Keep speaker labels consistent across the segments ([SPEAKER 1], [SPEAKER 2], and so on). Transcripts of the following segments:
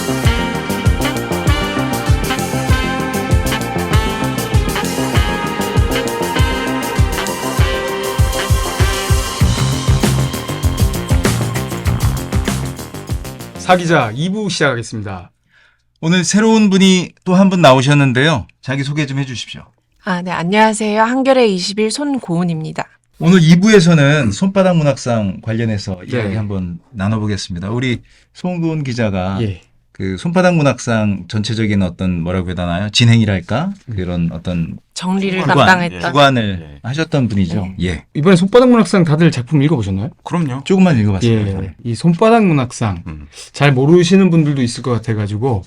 [SPEAKER 1] 사기자 2부 시작하겠습니다.
[SPEAKER 2] 오늘 새로운 분이 또 한 분 나오셨는데요. 자기 소개 좀 해주십시오.
[SPEAKER 3] 네, 안녕하세요. 한겨레 20일 손고은입니다.
[SPEAKER 2] 오늘 2부에서는 손바닥 문학상 관련해서 이야기
[SPEAKER 1] 예.
[SPEAKER 2] 한번 나눠보겠습니다. 우리 송고은 기자가
[SPEAKER 1] 예.
[SPEAKER 2] 그 손바닥 문학상 전체적인 어떤 뭐라고 해야 되나요? 진행이랄까? 그런 어떤
[SPEAKER 3] 정리를
[SPEAKER 2] 주관,
[SPEAKER 3] 담당했던.
[SPEAKER 2] 주관을 하셨던 분이죠. 예.
[SPEAKER 1] 이번에 손바닥 문학상 다들 작품 읽어보셨나요?
[SPEAKER 4] 그럼요.
[SPEAKER 2] 조금만 읽어봤습니다.
[SPEAKER 1] 예. 이 손바닥 문학상 잘 모르시는 분들도 있을 것 같아가지고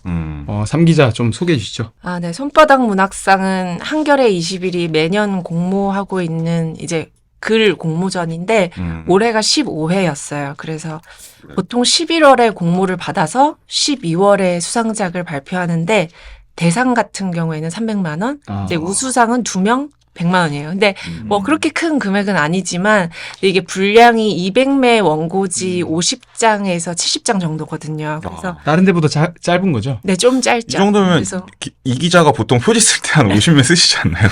[SPEAKER 1] 삼 기자 좀 소개해 주시죠.
[SPEAKER 3] 네, 손바닥 문학상은 한겨레 20일이 매년 공모하고 있는 이제 글 공모전인데 올해가 15회였어요. 그래서 보통 11월에 공모를 받아서 12월에 수상작을 발표하는데 대상 같은 경우에는 300만 원, 이제 우수상은 2명 100만 원이에요. 근데 뭐 그렇게 큰 금액은 아니지만 이게 분량이 200매 원고지 50장에서 70장 정도거든요. 그래서
[SPEAKER 1] 다른 데보다 짧은 거죠?
[SPEAKER 3] 네, 좀 짧죠.
[SPEAKER 4] 이 정도면
[SPEAKER 3] 그래서
[SPEAKER 4] 이 기자가 보통 표지 쓸 때 한 50매 쓰시지 않나요?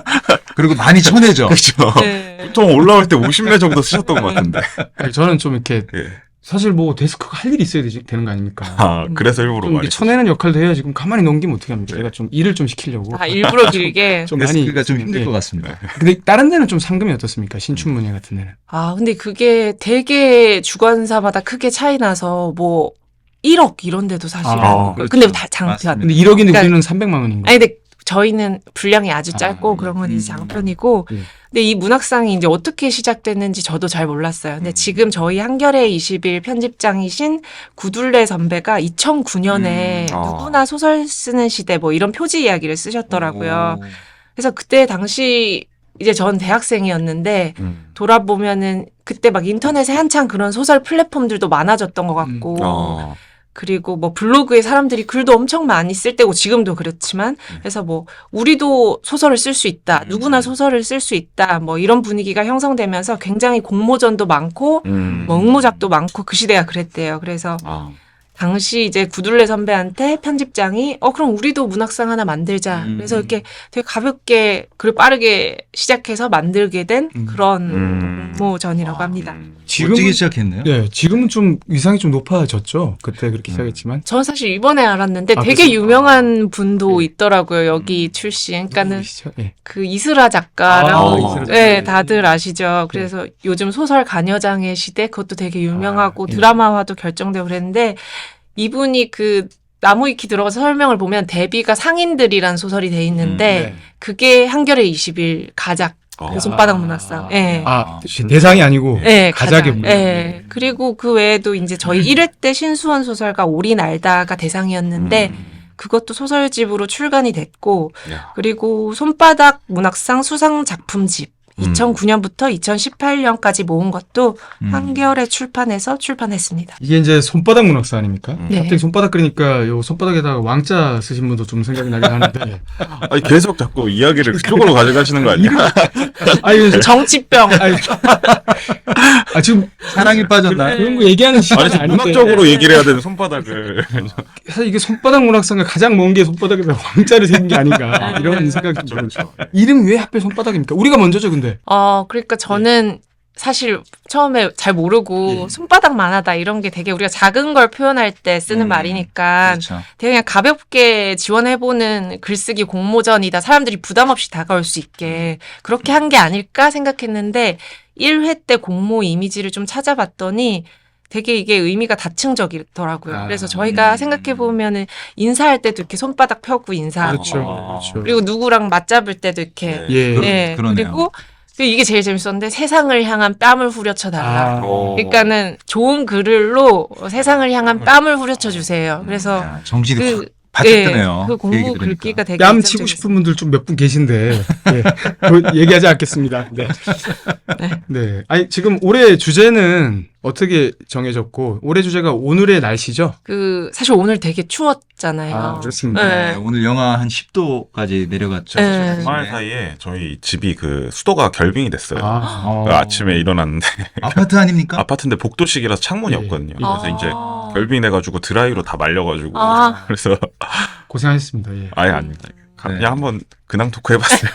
[SPEAKER 2] 그리고 많이 쳐내죠.
[SPEAKER 4] 그렇죠.
[SPEAKER 3] 네.
[SPEAKER 4] 보통 올라올 때 50매 정도 쓰셨던 것 같은데.
[SPEAKER 1] 아니, 저는 좀 이렇게
[SPEAKER 4] 예.
[SPEAKER 1] 사실 뭐 데스크가 할 일이 있어야 되는 거 아닙니까?
[SPEAKER 4] 그래서 일부러
[SPEAKER 1] 좀 이렇게
[SPEAKER 4] 많이
[SPEAKER 1] 쳐내는 역할도 해야지. 그럼 가만히 넘기면 어떻게 합니까? 제가 좀 일을 좀 시키려고.
[SPEAKER 3] 일부러 길게.
[SPEAKER 1] 좀 많이.
[SPEAKER 2] 데스크가 좀 힘들
[SPEAKER 1] 예.
[SPEAKER 2] 것 같습니다.
[SPEAKER 1] 근데 다른 데는 좀 상금이 어떻습니까? 신춘문예 같은 데는.
[SPEAKER 3] 근데 그게 되게 주관사마다 크게 차이 나서 뭐 1억 이런 데도 사실은.
[SPEAKER 2] 그렇죠.
[SPEAKER 3] 근데 다 장편.
[SPEAKER 2] 맞습니다.
[SPEAKER 1] 근데 1억인데
[SPEAKER 3] 그러니까-
[SPEAKER 1] 우리는 300만 원인 거예요.
[SPEAKER 3] 아니 근데 저희는 분량이 아주 짧고 그런 건 이제 장편이고 근데 이 문학상이 이제 어떻게 시작됐는지 저도 잘 몰랐어요. 근데 지금 저희 한겨레 20일 편집장이신 구둘레 선배가 2009년에 누구나 소설 쓰는 시대 뭐 이런 표지 이야기를 쓰셨더라고요. 그래서 그때 당시 이제 전 대학생이었는데 돌아보면은 그때 막 인터넷에 한창 그런 소설 플랫폼들도 많아졌던 것 같고 그리고 뭐 블로그에 사람들이 글도 엄청 많이 쓸 때고 지금도 그렇지만 그래서 뭐 우리도 소설을 쓸 수 있다. 누구나 소설을 쓸 수 있다. 뭐 이런 분위기가 형성되면서 굉장히 공모전도 많고 뭐 응모작도 많고 그 시대가 그랬대요. 그래서 당시 이제 구둘레 선배한테 편집장이 그럼 우리도 문학상 하나 만들자. 그래서 이렇게 되게 가볍게 그리고 빠르게 시작해서 만들게 된 그런 공모전이라고 합니다.
[SPEAKER 2] 멋지게 시작했네요.
[SPEAKER 1] 네, 지금은 좀 위상이 좀 높아졌죠. 그때 그렇게 시작했지만.
[SPEAKER 3] 저는 사실 이번에 알았는데 되게
[SPEAKER 1] 그렇습니까?
[SPEAKER 3] 유명한 분도 있더라고요. 여기 출신. 그러니까는
[SPEAKER 1] 누구시죠? 예.
[SPEAKER 3] 그 이슬아 작가라고
[SPEAKER 1] 이슬아
[SPEAKER 3] 네,
[SPEAKER 1] 작가.
[SPEAKER 3] 다들 아시죠. 그래서 요즘 소설 가녀장의 시대 그것도 되게 유명하고 드라마화도 결정되고 그랬는데 이분이 그 나무위키 들어가서 설명을 보면 데뷔가 상인들이란 소설이 돼 있는데
[SPEAKER 1] 네.
[SPEAKER 3] 그게 한겨레 20일 가작 그 손바닥 문학상. 예.
[SPEAKER 1] 대상이 아니고
[SPEAKER 3] 네,
[SPEAKER 1] 가작의
[SPEAKER 3] 가장. 네. 그리고 그 외에도 이제 저희 1회 때 신수원 소설가 오리 날다가 대상이었는데 그것도 소설집으로 출간이 됐고 그리고 손바닥 문학상 수상 작품집 2009년부터 2018년까지 모은 것도 한겨레 출판에서 출판했습니다.
[SPEAKER 1] 이게 이제 손바닥 문학사 아닙니까?
[SPEAKER 3] 네.
[SPEAKER 1] 갑자기 손바닥 그러니까 요 손바닥에다가 왕자 쓰신 분도 좀 생각이 나긴 하는데.
[SPEAKER 4] 아니, 계속 자꾸 이야기를 그쪽으로 가져가시는 거 아니야?
[SPEAKER 1] 아니,
[SPEAKER 3] 정치병.
[SPEAKER 1] 지금
[SPEAKER 2] 사랑에 빠졌나?
[SPEAKER 1] 그런 거 얘기하는 시간이
[SPEAKER 4] 아니,
[SPEAKER 1] 아닌데.
[SPEAKER 4] 문학적으로 얘기를 해야 되는 손바닥을.
[SPEAKER 1] 사실 이게 손바닥 문학상을 가장 먼 게 손바닥에다 왕자를 새긴 게 아닌가 이런 생각이 좀 들어요. 이름이 왜 하필 손바닥입니까? 우리가 먼저죠, 근데.
[SPEAKER 3] 그러니까 저는 사실 처음에 잘 모르고 손바닥만 하다 이런 게 되게 우리가 작은 걸 표현할 때 쓰는 말이니까
[SPEAKER 2] 그렇죠.
[SPEAKER 3] 되게 그냥 가볍게 지원해보는 글쓰기 공모전이다. 사람들이 부담 없이 다가올 수 있게 그렇게 한 게 아닐까 생각했는데 1회 때 공모 이미지를 좀 찾아봤더니 되게 이게 의미가 다층적이더라고요. 그래서 저희가 생각해보면은 인사할 때도 이렇게 손바닥 펴고 인사하고
[SPEAKER 1] 그렇죠.
[SPEAKER 3] 그리고 누구랑 맞잡을 때도 이렇게
[SPEAKER 1] 예.
[SPEAKER 2] 그러네요.
[SPEAKER 3] 그리고 이게 제일 재밌었는데 세상을 향한 뺨을 후려쳐 달라. 그러니까는 좋은 글로 세상을 향한 뺨을 후려쳐 주세요. 그래서
[SPEAKER 2] 야, 정신이
[SPEAKER 3] 그
[SPEAKER 2] 바짝 뜨네요.
[SPEAKER 3] 그
[SPEAKER 2] 그 얘기
[SPEAKER 3] 공부
[SPEAKER 2] 들으니까.
[SPEAKER 3] 글귀가 되게
[SPEAKER 1] 뺨 치고 싶은 분들 좀 몇 분 계신데 얘기하지 않겠습니다. 네. 네. 아니 지금 올해 주제는 어떻게 정해졌고 올해 주제가 오늘의 날씨죠?
[SPEAKER 3] 사실 오늘 되게 추웠잖아요.
[SPEAKER 1] 아, 그렇습니다.
[SPEAKER 3] 네.
[SPEAKER 2] 네, 오늘 영하 한 10도까지 내려갔죠.
[SPEAKER 3] 네.
[SPEAKER 4] 주말 사이에 저희 집이 그 수도가 결빙이 됐어요.
[SPEAKER 1] 아,
[SPEAKER 4] 그 아침에 일어났는데
[SPEAKER 2] 아파트 아닙니까?
[SPEAKER 4] 아파트인데 복도식이라서 창문이
[SPEAKER 1] 예.
[SPEAKER 4] 없거든요. 그래서 이제
[SPEAKER 3] 아.
[SPEAKER 4] 결빙이 돼가지고 드라이로 다 말려가지고
[SPEAKER 3] 아.
[SPEAKER 4] 그래서
[SPEAKER 1] 고생하셨습니다. 예.
[SPEAKER 4] 아예 아닙니다. 그냥
[SPEAKER 2] 네.
[SPEAKER 4] 한번 근황 토크 해봤어요.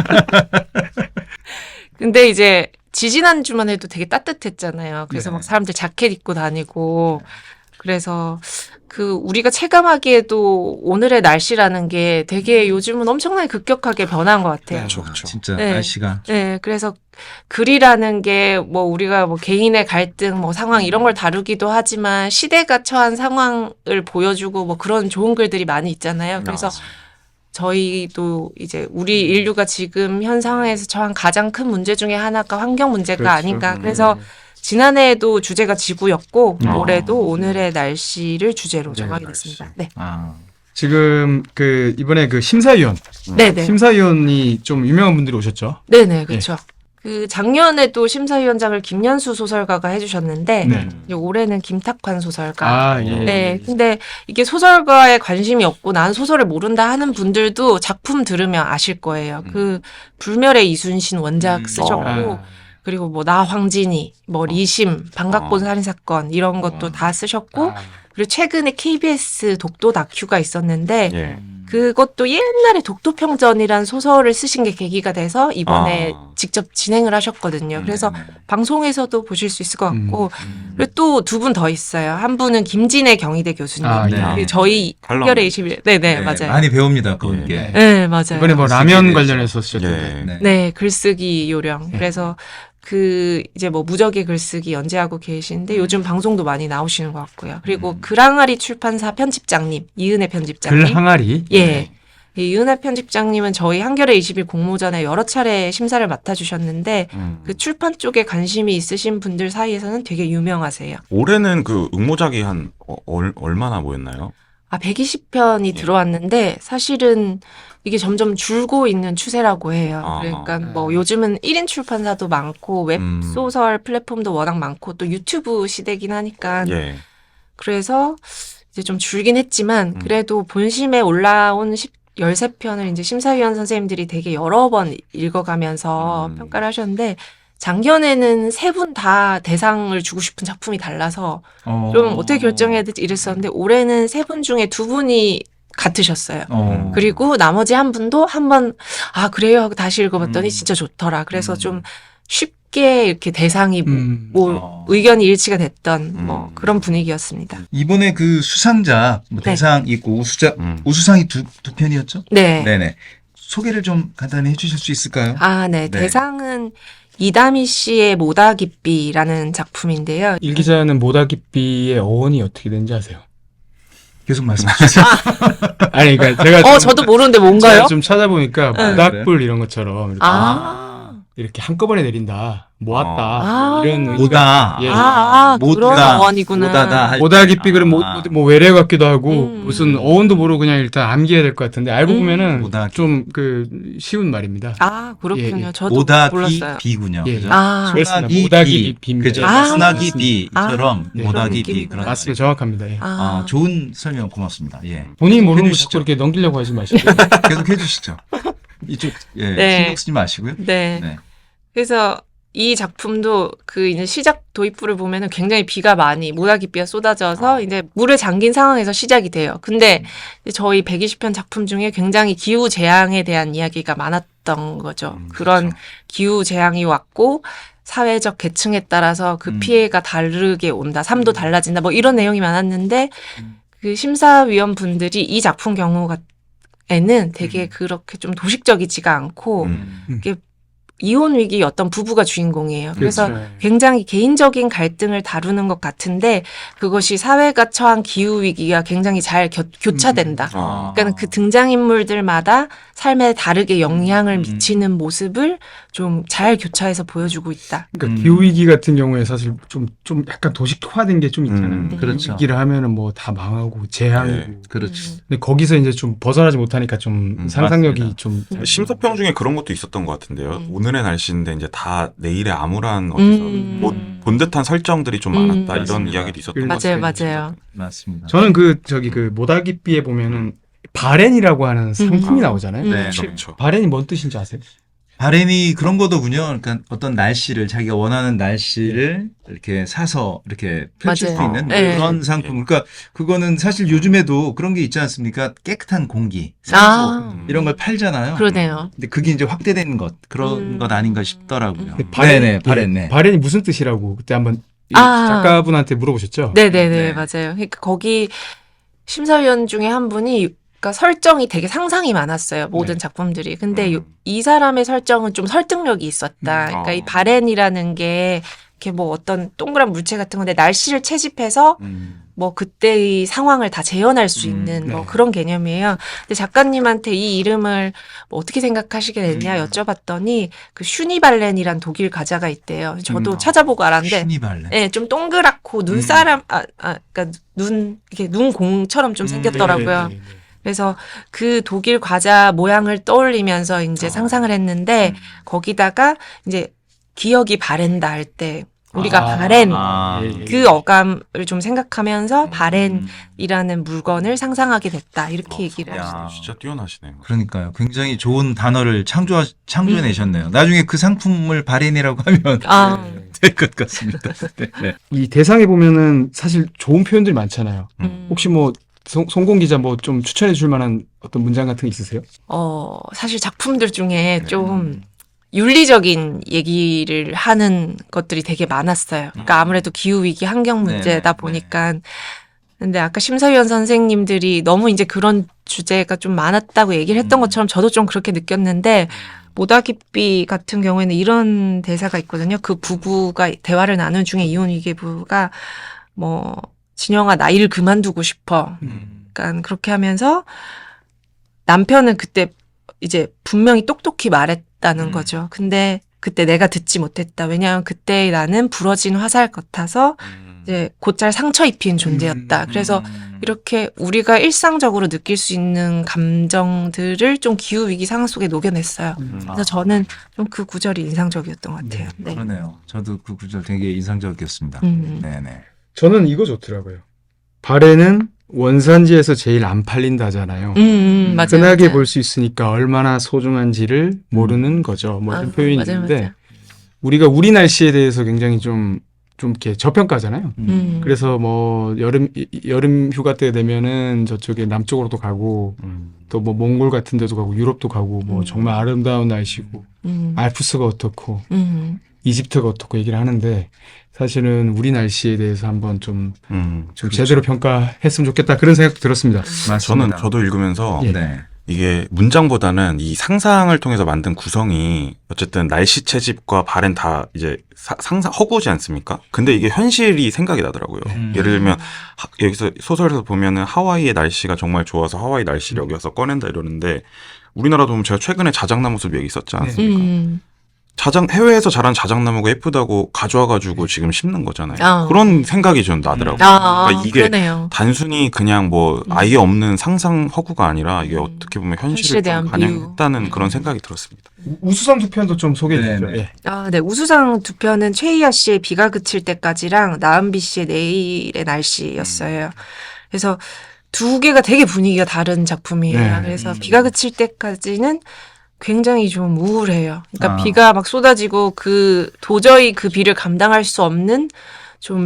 [SPEAKER 3] 근데 이제 지지난주만 해도 되게 따뜻했잖아요. 그래서
[SPEAKER 2] 네.
[SPEAKER 3] 막 사람들 자켓 입고 다니고 그래서 우리가 체감하기에도 오늘의 날씨라는 게 되게 요즘은 엄청나게 급격하게 변한 것 같아요.
[SPEAKER 4] 그렇죠, 그렇죠.
[SPEAKER 2] 진짜
[SPEAKER 3] 네.
[SPEAKER 2] 날씨가.
[SPEAKER 3] 네, 그래서 글이라는 게 뭐 우리가 뭐 개인의 갈등, 뭐 상황 이런 걸 다루기도 하지만 시대가 처한 상황을 보여주고 뭐 그런 좋은 글들이 많이 있잖아요. 그래서 저희도 이제 우리 인류가 지금 현 상황에서 처한 가장 큰 문제 중에 하나가 환경 문제가
[SPEAKER 1] 그렇죠.
[SPEAKER 3] 아닌가. 그래서 지난해에도 주제가 지구였고 올해도
[SPEAKER 4] 음.
[SPEAKER 3] 오늘의 날씨를 주제로
[SPEAKER 1] 네,
[SPEAKER 3] 정하게
[SPEAKER 4] 날씨.
[SPEAKER 3] 됐습니다. 네,
[SPEAKER 2] 아,
[SPEAKER 1] 지금 이번에 심사위원
[SPEAKER 3] 네네.
[SPEAKER 1] 심사위원이 좀 유명한 분들이 오셨죠?
[SPEAKER 3] 네네, 그렇죠. 작년에도 심사위원장을 김연수 소설가가 해주셨는데
[SPEAKER 1] 네.
[SPEAKER 3] 이제 올해는 김탁환 소설가.
[SPEAKER 1] 아, 예.
[SPEAKER 3] 네, 근데 이게 소설가에 관심이 없고 난 소설을 모른다 하는 분들도 작품 들으면 아실 거예요. 불멸의 이순신 원작 쓰셨고
[SPEAKER 1] 아,
[SPEAKER 3] 그리고 뭐 나 황진이, 뭐 리심, 방각본 살인사건 이런 것도 다 쓰셨고
[SPEAKER 1] 아,
[SPEAKER 3] 그리고 최근에 KBS 독도 다큐가 있었는데
[SPEAKER 4] 예.
[SPEAKER 3] 그것도 옛날에 독도평전이란 소설을 쓰신 게 계기가 돼서 이번에
[SPEAKER 4] 아.
[SPEAKER 3] 직접 진행을 하셨거든요. 그래서 방송에서도 보실 수 있을 것 같고 그리고 또 두 분 더 있어요. 한 분은 김진애 경희대 교수님.
[SPEAKER 1] 아,
[SPEAKER 2] 네.
[SPEAKER 3] 그리고 저희
[SPEAKER 4] 칼럼.
[SPEAKER 3] 한겨레 21. 네네, 맞아요.
[SPEAKER 2] 많이 배웁니다, 그분께.
[SPEAKER 1] 네.
[SPEAKER 3] 네, 맞아요.
[SPEAKER 1] 이번에 뭐
[SPEAKER 2] 글쓰기에
[SPEAKER 1] 라면
[SPEAKER 2] 대해서.
[SPEAKER 1] 관련해서 쓰셨던데.
[SPEAKER 4] 예.
[SPEAKER 2] 네.
[SPEAKER 3] 네, 글쓰기 요령.
[SPEAKER 1] 네.
[SPEAKER 3] 그래서 이제 뭐 무적의 글쓰기 연재하고 계신데 요즘 방송도 많이 나오시는 것 같고요. 그리고 글항아리 출판사 편집장님, 이은혜 편집장님.
[SPEAKER 1] 글 항아리.
[SPEAKER 3] 예. 이 이은혜 편집장님은 저희 한겨레 20일 공모전에 여러 차례 심사를 맡아주셨는데 그 출판 쪽에 관심이 있으신 분들 사이에서는 되게 유명하세요.
[SPEAKER 4] 올해는 그 응모작이 한 얼마나 모였나요?
[SPEAKER 3] 120편이 들어왔는데 사실은 이게 점점 줄고 있는 추세라고 해요.
[SPEAKER 4] 아.
[SPEAKER 3] 그러니까 뭐 요즘은 1인 출판사도 많고 웹소설 플랫폼도 워낙 많고 또 유튜브 시대긴 하니까
[SPEAKER 4] 예.
[SPEAKER 3] 그래서 이제 좀 줄긴 했지만 그래도 본심에 올라온 13편을 이제 심사위원 선생님들이 되게 여러 번 읽어가면서 평가를 하셨는데 작년에는 세 분 다 대상을 주고 싶은 작품이 달라서 좀 어떻게 결정해야 될지 이랬었는데 올해는 세 분 중에 두 분이 같으셨어요. 그리고 나머지 한 분도 한번 그래요 하고 다시 읽어봤더니 진짜 좋더라. 그래서 좀 쉽게 이렇게 대상이 뭐 의견이 일치가 됐던 뭐 그런 분위기였습니다.
[SPEAKER 2] 이번에 그 수상자, 뭐
[SPEAKER 3] 네.
[SPEAKER 2] 대상 있고 우수상이 두 편이었죠?
[SPEAKER 3] 네.
[SPEAKER 2] 네네. 소개를 좀 간단히 해주실 수 있을까요?
[SPEAKER 3] 네.
[SPEAKER 2] 네.
[SPEAKER 3] 대상은 이다미 씨의 모다깃비라는 작품인데요.
[SPEAKER 1] 일 기자는 모다깃비의 어원이 어떻게 되는지 아세요?
[SPEAKER 2] 계속 말씀해 주세요.
[SPEAKER 1] 아니, 그러니까 제가
[SPEAKER 3] 저도 모르는데 뭔가요?
[SPEAKER 1] 제가 좀 찾아보니까
[SPEAKER 3] 네.
[SPEAKER 1] 모닥불 이런 것처럼 이렇게,
[SPEAKER 3] 아.
[SPEAKER 1] 이렇게 한꺼번에 내린다, 모았다
[SPEAKER 3] 아.
[SPEAKER 1] 이런 의미가-
[SPEAKER 2] 모다.
[SPEAKER 1] 예.
[SPEAKER 3] 그런
[SPEAKER 2] 모다.
[SPEAKER 3] 어원이구나.
[SPEAKER 2] 모다다. 할
[SPEAKER 1] 모다깃비 그럼 뭐 외래 같기도 하고
[SPEAKER 3] 음.
[SPEAKER 1] 무슨 어원도 모르고 그냥 일단 암기해야 될 것 같은데 알고 보면은
[SPEAKER 2] 모다깃.
[SPEAKER 1] 좀 쉬운 말입니다.
[SPEAKER 3] 그렇군요.
[SPEAKER 1] 예, 예.
[SPEAKER 3] 저도
[SPEAKER 2] 모다기
[SPEAKER 3] 몰랐어요.
[SPEAKER 2] 비군요.
[SPEAKER 1] 예.
[SPEAKER 2] 그죠?
[SPEAKER 1] 그렇습니다.
[SPEAKER 2] 소나기
[SPEAKER 1] 모다기
[SPEAKER 2] 비.
[SPEAKER 1] 비입니다.
[SPEAKER 2] 그죠?
[SPEAKER 3] 아.
[SPEAKER 2] 소나기 비처럼
[SPEAKER 1] 네.
[SPEAKER 2] 모다기
[SPEAKER 3] 그런
[SPEAKER 2] 비
[SPEAKER 3] 느낌이구나.
[SPEAKER 2] 그런.
[SPEAKER 1] 맞습니다. 정확합니다. 예.
[SPEAKER 2] 좋은 설명 고맙습니다. 예.
[SPEAKER 1] 본인이 모르는 거
[SPEAKER 2] 해주시죠.
[SPEAKER 1] 자꾸 이렇게 넘기려고 하지 마시고.
[SPEAKER 2] 계속 해주시죠. 이쪽
[SPEAKER 3] 네.
[SPEAKER 2] 신경 쓰지 마시고요.
[SPEAKER 3] 네.
[SPEAKER 2] 네.
[SPEAKER 3] 그래서 이 작품도 이제 시작 도입부를 보면은 굉장히 비가 많이 모다깃비가 쏟아져서 이제 물에 잠긴 상황에서 시작이 돼요. 근데 이제 저희 120편 작품 중에 굉장히 기후 재앙에 대한 이야기가 많았던 거죠. 그런
[SPEAKER 4] 그렇죠.
[SPEAKER 3] 기후 재앙이 왔고 사회적 계층에 따라서 그 피해가 다르게 온다. 삶도 달라진다. 뭐 이런 내용이 많았는데 그 심사위원 분들이 이 작품 경우에는 되게 그렇게 좀 도식적이지가 않고 이게 이혼 위기 어떤 부부가 주인공이에요. 그래서
[SPEAKER 1] 그렇죠.
[SPEAKER 3] 굉장히 개인적인 갈등을 다루는 것 같은데 그것이 사회가 처한 기후 위기가 굉장히 잘 교차된다. 그러니까 그 등장인물들마다 삶에 다르게 영향을 미치는 모습을 좀 잘 교차해서 보여주고 있다.
[SPEAKER 1] 그러니까 기후위기 같은 경우에 사실 좀 약간 도식화된 게 좀 있잖아요.
[SPEAKER 2] 그렇죠.
[SPEAKER 1] 위기를 하면은 뭐 다 망하고 재앙이고.
[SPEAKER 4] 네.
[SPEAKER 2] 그렇죠.
[SPEAKER 1] 근데 거기서 이제 좀 벗어나지 못하니까 좀 상상력이
[SPEAKER 2] 맞습니다.
[SPEAKER 1] 좀
[SPEAKER 4] 심사평 중에 그런 것도 있었던 것 같은데요. 오늘의 날씨인데 이제 다 내일의 암울한 어디서 본 듯한 설정들이 좀 많았다 이런
[SPEAKER 2] 맞습니다.
[SPEAKER 4] 이야기도 있었던 것
[SPEAKER 3] 맞아요,
[SPEAKER 4] 같아요.
[SPEAKER 3] 맞아요.
[SPEAKER 2] 맞습니다.
[SPEAKER 1] 저는 그 모다기비에 보면은 바렌이라고 하는 상품이 나오잖아요.
[SPEAKER 2] 네.
[SPEAKER 4] 그렇죠.
[SPEAKER 1] 바렌이 뭔 뜻인지 아세요?
[SPEAKER 2] 바렌이 그런 거더군요. 그러니까 어떤 날씨를 자기가 원하는 날씨를 이렇게 사서 이렇게 펼칠
[SPEAKER 3] 맞아요.
[SPEAKER 2] 수 있는
[SPEAKER 3] 네.
[SPEAKER 2] 그런 상품. 그러니까 그거는 사실 요즘에도 그런 게 있지 않습니까? 깨끗한 공기, 산소 이런 걸 팔잖아요.
[SPEAKER 3] 그러네요.
[SPEAKER 2] 근데 그게 이제 확대된 것 그런 것 아닌가 싶더라고요.
[SPEAKER 1] 근데
[SPEAKER 2] 네네, 바렌. 네.
[SPEAKER 1] 바렌이 무슨 뜻이라고 그때 한번 이
[SPEAKER 3] 아.
[SPEAKER 1] 작가분한테 물어보셨죠?
[SPEAKER 3] 네네네,
[SPEAKER 2] 네.
[SPEAKER 3] 맞아요. 그러니까 거기 심사위원 중에 한 분이 그러니까 설정이 되게 상상이 많았어요. 모든
[SPEAKER 1] 네.
[SPEAKER 3] 작품들이. 근데 이 사람의 설정은 좀 설득력이 있었다. 그러니까 이 바렌이라는 게 이렇게 뭐 어떤 동그란 물체 같은 건데 날씨를 채집해서 뭐 그때의 상황을 다 재현할 수 있는 뭐
[SPEAKER 1] 네.
[SPEAKER 3] 그런 개념이에요. 근데 작가님한테 이 이름을 뭐 어떻게 생각하시게 됐냐 여쭤봤더니 그 슈니발렌이란 독일 가자가 있대요. 저도 찾아보고 알았는데
[SPEAKER 2] 슈니발렌.
[SPEAKER 3] 네, 좀 동그랗고 눈사람, 그러니까 이렇게 눈공처럼 좀 생겼더라고요.
[SPEAKER 1] 네.
[SPEAKER 3] 그래서 그 독일 과자 모양을 떠올리면서 이제 상상을 했는데 거기다가 이제 기억이 바렌다 할 때 우리가 바렌 그 어감을 좀 생각하면서 바렌이라는 물건을 상상하게 됐다 이렇게 얘기를
[SPEAKER 2] 야.
[SPEAKER 3] 하시네요.
[SPEAKER 4] 진짜 뛰어나시네요.
[SPEAKER 2] 그러니까요. 굉장히 좋은 단어를 창조해내셨네요. 나중에 그 상품을 바렌이라고 하면
[SPEAKER 3] 아,
[SPEAKER 2] 될 것 같습니다. 네. 네.
[SPEAKER 1] 이 대상에 보면은 사실 좋은 표현들이 많잖아요.
[SPEAKER 3] 음.
[SPEAKER 1] 혹시 뭐 송공 기자 뭐 좀 추천해 줄 만한 어떤 문장 같은 게 있으세요?
[SPEAKER 3] 사실 작품들 중에 좀 윤리적인 얘기를 하는 것들이 되게 많았어요. 그러니까 아무래도 기후위기 환경 문제다
[SPEAKER 2] 네네.
[SPEAKER 3] 보니까. 근데 아까 심사위원 선생님들이 너무 이제 그런 주제가 좀 많았다고 얘기를 했던 것처럼 저도 좀 그렇게 느꼈는데 모다기비 같은 경우에는 이런 대사가 있거든요. 그 부부가 대화를 나눈 중에 이혼위기부가 뭐 진영아 나 일 그만두고 싶어. 그러니까 그렇게 하면서 남편은 그때 이제 분명히 똑똑히 말했다는 거죠. 근데 그때 내가 듣지 못했다. 왜냐하면 그때 나는 부러진 화살 같아서 이제 곧잘 상처 입힌 존재였다. 그래서 이렇게 우리가 일상적으로 느낄 수 있는 감정들을 좀 기후위기 상황 속에 녹여냈어요. 그래서 저는 좀 그 구절이 인상적이었던 것 같아요. 네.
[SPEAKER 2] 그러네요. 저도 그 구절 되게 인상적이었습니다. 네네.
[SPEAKER 1] 저는 이거 좋더라고요. 바렌은 원산지에서 제일 안 팔린다잖아요.
[SPEAKER 3] 맞아요.
[SPEAKER 1] 흔하게
[SPEAKER 3] 맞아요.
[SPEAKER 1] 볼 수 있으니까 얼마나 소중한지를 모르는 거죠. 뭐 이런 표현이
[SPEAKER 3] 맞아요,
[SPEAKER 1] 있는데
[SPEAKER 3] 맞아요.
[SPEAKER 1] 우리가 우리 날씨에 대해서 굉장히 좀 이렇게 저평가잖아요. 그래서 뭐 여름 휴가 때 되면은 저쪽에 남쪽으로도 가고 또 뭐 몽골 같은 데도 가고 유럽도 가고 뭐 정말 아름다운 날씨고 알프스가 어떻고 이집트가 어떻고 얘기를 하는데 사실은 우리 날씨에 대해서 한번 좀 제대로 평가했으면 좋겠다 그런 생각도 들었습니다.
[SPEAKER 2] 맞습니다.
[SPEAKER 4] 저도 읽으면서
[SPEAKER 1] 예.
[SPEAKER 2] 네.
[SPEAKER 4] 이게 문장보다는 이 상상을 통해서 만든 구성이 어쨌든 날씨 채집과 바렌 다 이제 상상 허구지 않습니까? 근데 이게 현실이 생각이 나더라고요. 예를 들면 여기서 소설에서 보면은 하와이의 날씨가 정말 좋아서 하와이 날씨를 여기 와서 꺼낸다 이러는데 우리나라도 보면 제가 최근에 자작나무 숲 얘기 있었지 않습니까? 해외에서 자란 자작나무가 예쁘다고 가져와가지고 지금 심는 거잖아요. 그런 생각이 좀 나더라고요. 그러니까 이게
[SPEAKER 3] 그러네요.
[SPEAKER 4] 단순히 그냥 뭐 아예 없는 상상 허구가 아니라 이게 어떻게 보면
[SPEAKER 3] 현실에
[SPEAKER 4] 현실을
[SPEAKER 3] 대한
[SPEAKER 4] 좀 반영했다는 그런 생각이 들었습니다.
[SPEAKER 1] 우수상 두 편도 좀 소개해 주시죠.
[SPEAKER 2] 네, 네.
[SPEAKER 1] 예.
[SPEAKER 3] 네. 우수상 두 편은 최희아 씨의 비가 그칠 때까지랑 나은비 씨의 내일의 날씨였어요. 그래서 두 개가 되게 분위기가 다른 작품이에요.
[SPEAKER 1] 네.
[SPEAKER 3] 그래서 비가 그칠 때까지는 굉장히 좀 우울해요. 그러니까
[SPEAKER 2] 아.
[SPEAKER 3] 비가 막 쏟아지고 도저히 그 비를 감당할 수 없는 좀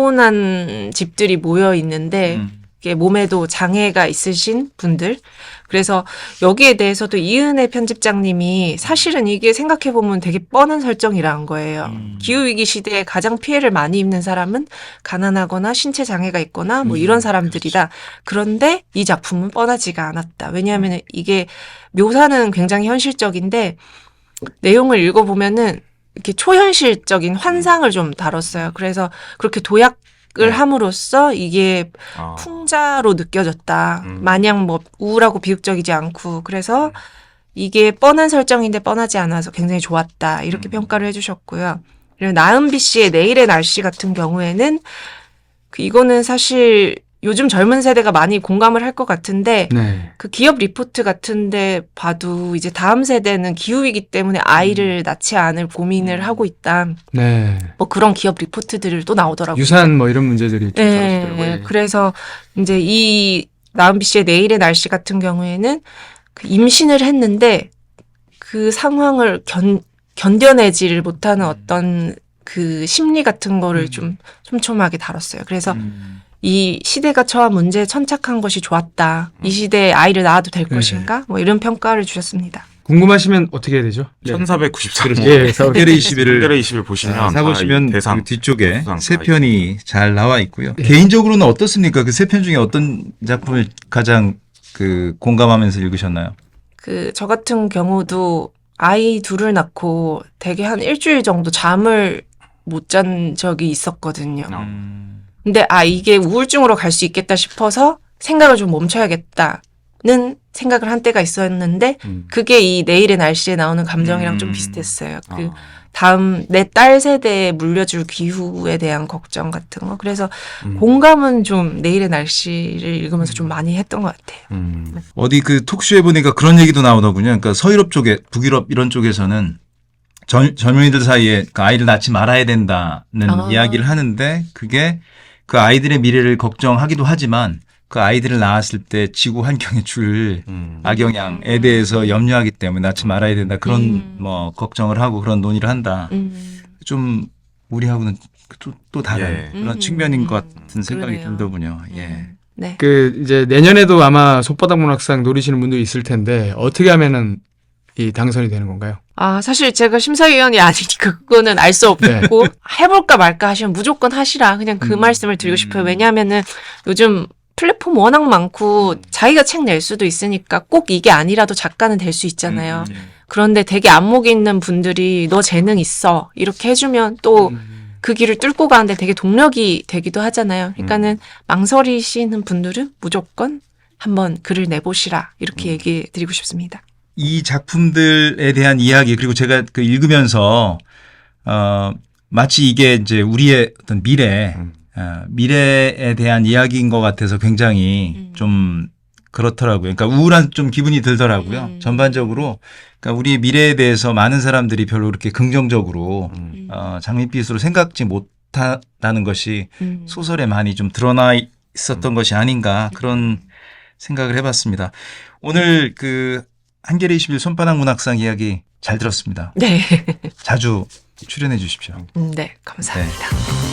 [SPEAKER 3] 빈곤한 집들이 모여 있는데 이게 몸에도 장애가 있으신 분들. 그래서 여기에 대해서도 이은혜 편집장님이 사실은 이게 생각해보면 되게 뻔한 설정이라는 거예요. 기후위기 시대에 가장 피해를 많이 입는 사람은 가난하거나 신체 장애가 있거나 뭐 이런 사람들이다. 그런데 이 작품은 뻔하지가 않았다. 왜냐하면 이게 묘사는 굉장히 현실적인데 내용을 읽어보면은 이렇게 초현실적인 환상을 좀 다뤘어요. 그래서 그렇게 도약을 함으로써 이게 풍자로 느껴졌다. 마냥 뭐 우울하고 비극적이지 않고 그래서 이게 뻔한 설정인데 뻔하지 않아서 굉장히 좋았다. 이렇게 평가를 해주셨고요. 그리고 나은비 씨의 내일의 날씨 같은 경우에는 이거는 사실 요즘 젊은 세대가 많이 공감을 할 것 같은데
[SPEAKER 1] 네.
[SPEAKER 3] 그 기업 리포트 같은데 봐도 이제 다음 세대는 기후이기 때문에 아이를 낳지 않을 고민을 하고 있다.
[SPEAKER 1] 네.
[SPEAKER 3] 뭐 그런 기업 리포트들을 또 나오더라고요.
[SPEAKER 1] 유산 뭐 이런 문제들이 좀
[SPEAKER 3] 네,
[SPEAKER 1] 다루시더라고요.
[SPEAKER 3] 그래서 이제 이 나은비 씨의 내일의 날씨 같은 경우에는 그 임신을 했는데 그 상황을 견뎌내지를 못하는 어떤 그 심리 같은 거를 좀 촘촘하게 다뤘어요. 그래서 이 시대가 처한 문제에 천착한 것이 좋았다. 이 시대에 아이를 낳아도 될
[SPEAKER 1] 네.
[SPEAKER 3] 것인가? 뭐 이런 평가를 주셨습니다.
[SPEAKER 1] 궁금하시면 어떻게 해야 되죠? 네.
[SPEAKER 4] 1494년.
[SPEAKER 1] 예,
[SPEAKER 2] 한겨레 21을
[SPEAKER 4] 한겨레 20일 보시면
[SPEAKER 2] 사보시면
[SPEAKER 4] 다 대상
[SPEAKER 2] 그 뒤쪽에
[SPEAKER 4] 수상
[SPEAKER 2] 세
[SPEAKER 4] 다
[SPEAKER 2] 편이 잘 나와 있고요. 개인적으로는 어떻습니까? 그 세 편 중에 어떤 작품을 가장 그 공감하면서 읽으셨나요?
[SPEAKER 3] 그 저 같은 경우도 아이 둘을 낳고 되게 한 일주일 정도 잠을 못 잔 적이 있었거든요. 근데 이게 우울증으로 갈 수 있겠다 싶어서 생각을 좀 멈춰야겠다는 생각을 한 때가 있었는데 그게 이 내일의 날씨에 나오는 감정이랑 좀 비슷했어요. 그 다음 내 딸 세대에 물려줄 기후에 대한 걱정 같은 거. 그래서 공감은 좀 내일의 날씨를 읽으면서 좀 많이 했던 것 같아요.
[SPEAKER 2] 어디 그 톡쇼에 보니까 그런 얘기도 나오더군요. 그러니까 서유럽 쪽에 북유럽 이런 쪽에서는 젊은이들 사이에 그 아이를 낳지 말아야 된다는 이야기를 하는데 그게 그 아이들의 미래를 걱정하기도 하지만 그 아이들을 낳았을 때 지구 환경에 줄 악영향에 대해서 염려하기 때문에 낳지 말아야 된다. 그런 뭐 걱정을 하고 그런 논의를 한다. 좀 우리하고는 또 다른 그런 측면인 것 같은 생각이
[SPEAKER 3] 그러네요.
[SPEAKER 2] 들더군요. 예.
[SPEAKER 3] 네.
[SPEAKER 1] 그 이제 내년에도 아마 손바닥 문학상 노리시는 분도 있을 텐데 어떻게 하면은 이 당선이 되는 건가요?
[SPEAKER 3] 사실 제가 심사위원이 아니니까 그거는 알 수 없고 해볼까 말까 하시면 무조건 하시라. 그냥 그 말씀을 드리고 싶어요. 왜냐하면은 요즘 플랫폼 워낙 많고 자기가 책 낼 수도 있으니까 꼭 이게 아니라도 작가는 될 수 있잖아요. 그런데 되게 안목 있는 분들이 너 재능 있어 이렇게 해주면 또 그 길을 뚫고 가는데 되게 동력이 되기도 하잖아요. 그러니까는 망설이시는 분들은 무조건 한번 글을 내보시라 이렇게 얘기해 드리고 싶습니다.
[SPEAKER 2] 이 작품들에 대한 이야기 그리고 제가 그 읽으면서 마치 이게 이제 우리의 어떤 미래에 대한 이야기인 것 같아서 굉장히 좀 그렇더라고요. 그러니까 우울한 좀 기분이 들더라고요. 전반적으로 그러니까 우리의 미래에 대해서 많은 사람들이 별로 그렇게 긍정적으로 장밋빛으로 생각지 못한다는 것이 소설에 많이 좀 드러나 있었던 것이 아닌가 그런 생각을 해봤습니다. 오늘 그 한겨레 21 손바닥 문학상 이야기 잘 들었습니다.
[SPEAKER 3] 네.
[SPEAKER 2] 자주 출연해 주십시오.
[SPEAKER 3] 네, 감사합니다.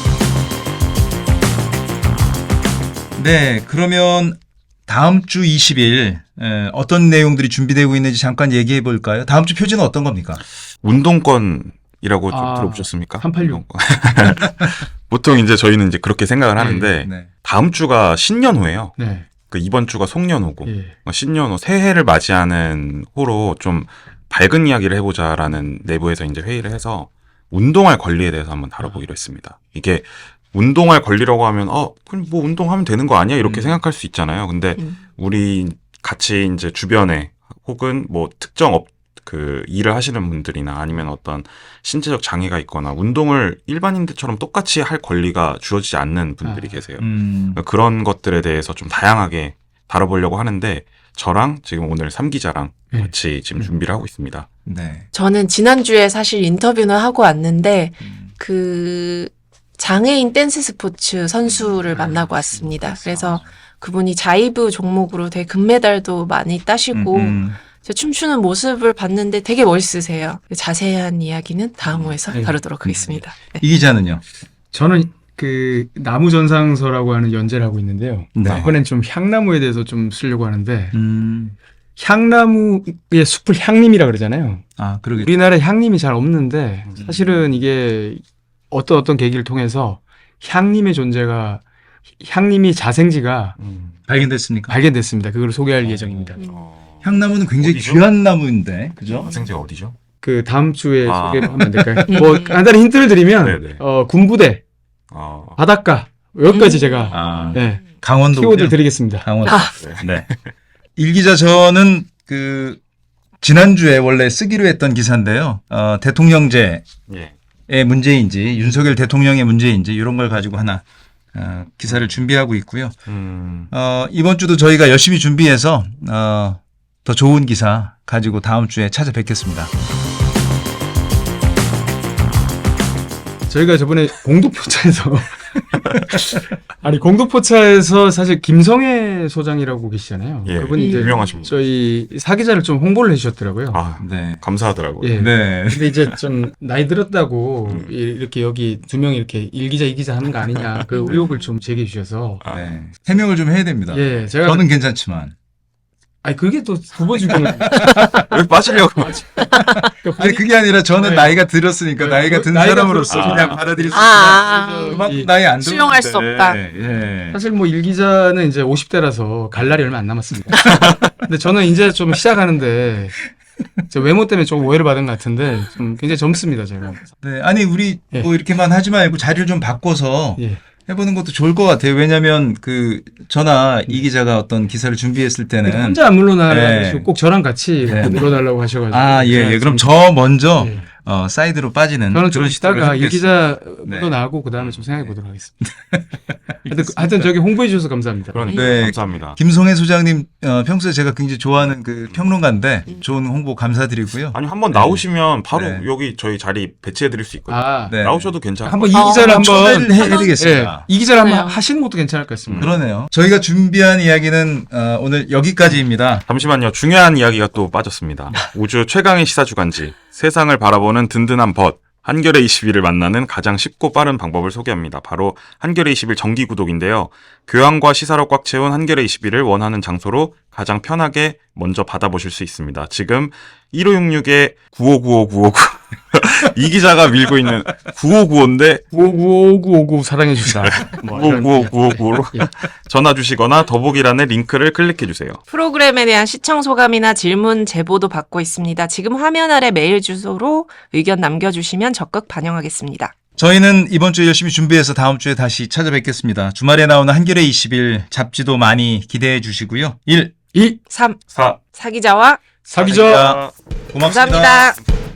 [SPEAKER 2] 네, 그러면 다음 주 20일 어떤 내용들이 준비되고 있는지 잠깐 얘기해 볼까요? 다음 주 표지는 어떤 겁니까?
[SPEAKER 4] 운동권이라고 좀 들어보셨습니까?
[SPEAKER 1] 386.
[SPEAKER 4] 보통 이제 저희는 이제 그렇게 생각을 하는데
[SPEAKER 2] 네.
[SPEAKER 4] 다음 주가 신년호예요.
[SPEAKER 1] 네.
[SPEAKER 4] 그 이번 주가 송년호고
[SPEAKER 1] 예.
[SPEAKER 4] 신년호 새해를 맞이하는 호로 좀 밝은 이야기를 해보자라는 내부에서 이제 회의를 해서 운동할 권리에 대해서 한번 다뤄보기로 했습니다. 이게 운동할 권리라고 하면 그럼 뭐 운동하면 되는 거 아니야 이렇게 생각할 수 있잖아요. 근데 우리 같이 이제 주변에 혹은 뭐 특정 그 일을 하시는 분들이나 아니면 어떤 신체적 장애가 있거나 운동을 일반인들처럼 똑같이 할 권리가 주어지지 않는 분들이 계세요. 그러니까 그런 것들에 대해서 좀 다양하게 다뤄보려고 하는데 저랑 지금 오늘 3기자랑 같이 지금 준비를 하고 있습니다.
[SPEAKER 2] 네.
[SPEAKER 3] 저는 지난주에 사실 인터뷰는 하고 왔는데 그 장애인 댄스 스포츠 선수를 만나고 왔습니다. 그래서 그분이 자이브 종목으로 되게 금메달도 많이 따시고 제 춤추는 모습을 봤는데 되게 멋있으세요. 자세한 이야기는 다음 호에서 다루도록 하겠습니다. 네.
[SPEAKER 2] 이 기자는요?
[SPEAKER 1] 저는 그 나무전상서라고 하는 연재를 하고 있는데요.
[SPEAKER 2] 네.
[SPEAKER 1] 이번엔 좀 향나무에 대해서 좀 쓰려고 하는데 향나무의 숲을 향림이라 그러잖아요.
[SPEAKER 2] 아, 그러게.
[SPEAKER 1] 우리나라에 향림이 잘 없는데 사실은 이게 어떤 계기를 통해서 향림의 존재가 향림이 자생지가
[SPEAKER 2] 발견됐습니까?
[SPEAKER 1] 발견됐습니다. 그걸 소개할 예정입니다.
[SPEAKER 2] 향나무는 굉장히
[SPEAKER 4] 어디죠?
[SPEAKER 2] 귀한 나무인데, 그죠?
[SPEAKER 4] 학생제가 어디죠?
[SPEAKER 1] 그 다음 주에 소개를 하면 안 될까요? 뭐 간단히 힌트를 드리면
[SPEAKER 4] 네네.
[SPEAKER 1] 군부대, 바닷가 여기까지 제가
[SPEAKER 2] 아,
[SPEAKER 1] 네,
[SPEAKER 2] 강원도.
[SPEAKER 1] 키워드 드리겠습니다.
[SPEAKER 2] 강원도. 네. 일 기자 저는 그 지난주에 원래 쓰기로 했던 기사인데요. 대통령제의
[SPEAKER 4] 예.
[SPEAKER 2] 문제인지 윤석열 대통령의 문제인지 이런 걸 가지고 하나 기사를 준비하고 있고요. 이번 주도 저희가 열심히 준비해서 더 좋은 기사 가지고 다음 주에 찾아뵙겠습니다.
[SPEAKER 1] 저희가 저번에 공동포차에서 아니 공동포차에서 사실 김성애 소장이라고 계시잖아요.
[SPEAKER 4] 예,
[SPEAKER 1] 그분이 이제
[SPEAKER 4] 유명하십니다.
[SPEAKER 1] 저희 사기자를 좀 홍보를 해주셨더라고요.
[SPEAKER 4] 아,
[SPEAKER 2] 네.
[SPEAKER 4] 감사하더라고요.
[SPEAKER 1] 예.
[SPEAKER 2] 네.
[SPEAKER 1] 근데 이제 좀 나이 들었다고 이렇게 여기 두 명이 이렇게 일기자 이기자 하는 거 아니냐 그 의혹을 좀 제기해 주셔서
[SPEAKER 2] 네. 해명을 좀 해야 됩니다.
[SPEAKER 1] 예 제가
[SPEAKER 2] 저는 괜찮지만.
[SPEAKER 1] 아니 그게 또 후보 중에
[SPEAKER 4] 왜 빠지려고?
[SPEAKER 2] 아니 그게 아니라 저는
[SPEAKER 1] 네.
[SPEAKER 2] 나이가 들었으니까 나이가 든
[SPEAKER 1] 나이가
[SPEAKER 2] 사람으로서
[SPEAKER 1] 들었으니까.
[SPEAKER 2] 그냥 받아들일 수
[SPEAKER 3] 아,
[SPEAKER 2] 있다. 그만큼 나이 안 들었는데.
[SPEAKER 3] 수용할 수 없다.
[SPEAKER 2] 예.
[SPEAKER 1] 사실 뭐 일기자는 이제 50대라서 갈 날이 얼마 안 남았습니다. 근데 저는 이제 좀 시작하는데 저 외모 때문에 좀 오해를 받은 것 같은데 좀 굉장히 젊습니다 제가.
[SPEAKER 2] 네. 아니 우리
[SPEAKER 1] 예.
[SPEAKER 2] 뭐 이렇게만 하지 말고 자리를 좀 바꿔서
[SPEAKER 1] 예.
[SPEAKER 2] 해보는 것도 좋을 것 같아요. 왜냐하면 저나 이 기자가 어떤 기사를 준비했을 때는
[SPEAKER 1] 혼자 안 물러나시고
[SPEAKER 2] 네.
[SPEAKER 1] 꼭 저랑 같이
[SPEAKER 2] 네.
[SPEAKER 1] 물러달라고 하셔가지고.
[SPEAKER 2] 예. 그럼 저 먼저
[SPEAKER 1] 예.
[SPEAKER 2] 사이드로 빠지는
[SPEAKER 1] 저는 좀
[SPEAKER 2] 그런 시도를
[SPEAKER 1] 이따가
[SPEAKER 2] 해보겠습니다.
[SPEAKER 1] 일기자 물러나고 그 다음에 좀 생각해 보도록 하겠습니다. 하여튼 저기 홍보해 주셔서 감사합니다.
[SPEAKER 4] 그러니까
[SPEAKER 2] 네.
[SPEAKER 4] 감사합니다.
[SPEAKER 2] 김성애 소장님 평소에 제가 굉장히 좋아하는 그 평론가인데 좋은 홍보 감사드리고요.
[SPEAKER 4] 아니 한번 나오시면 바로
[SPEAKER 2] 네.
[SPEAKER 4] 여기 저희 자리 배치해드릴 수 있거든요.
[SPEAKER 1] 아,
[SPEAKER 2] 네.
[SPEAKER 4] 나오셔도 괜찮아요.
[SPEAKER 1] 한번 이 기자를 한번
[SPEAKER 2] 초대를 해드리겠습니다.
[SPEAKER 1] 이 기자를 한번
[SPEAKER 3] 그래요.
[SPEAKER 1] 하시는 것도 괜찮을 것 같습니다.
[SPEAKER 2] 그러네요. 저희가 준비한 이야기는 오늘 여기까지입니다.
[SPEAKER 4] 잠시만요. 중요한 이야기가 또 빠졌습니다. 우주 최강의 시사 주간지 세상을 바라보는 든든한 벗 한겨레 21을 만나는 가장 쉽고 빠른 방법을 소개합니다. 바로 한겨레 21 정기 구독인데요. 교양과 시사로 꽉 채운 한겨레 21을 원하는 장소로 가장 편하게 먼저 받아보실 수 있습니다. 지금 1566에 959595 이 기자가 밀고 있는 9595인데
[SPEAKER 1] 9595 사랑해 주시다. 뭐 이런.
[SPEAKER 4] 959595로 전화 주시거나 더보기란의 링크를 클릭해 주세요.
[SPEAKER 3] 프로그램에 대한 시청 소감이나 질문 제보도 받고 있습니다. 지금 화면 아래 메일 주소로 의견 남겨주시면 적극 반영하겠습니다.
[SPEAKER 2] 저희는 이번 주에 열심히 준비해서 다음 주에 다시 찾아뵙겠습니다. 주말에 나오는 한겨레 20일 잡지도 많이 기대해 주시고요.
[SPEAKER 1] 2
[SPEAKER 3] 3.
[SPEAKER 4] 4.
[SPEAKER 3] 사기자와
[SPEAKER 1] 사기자.
[SPEAKER 2] 고맙습니다.
[SPEAKER 3] 감사합니다.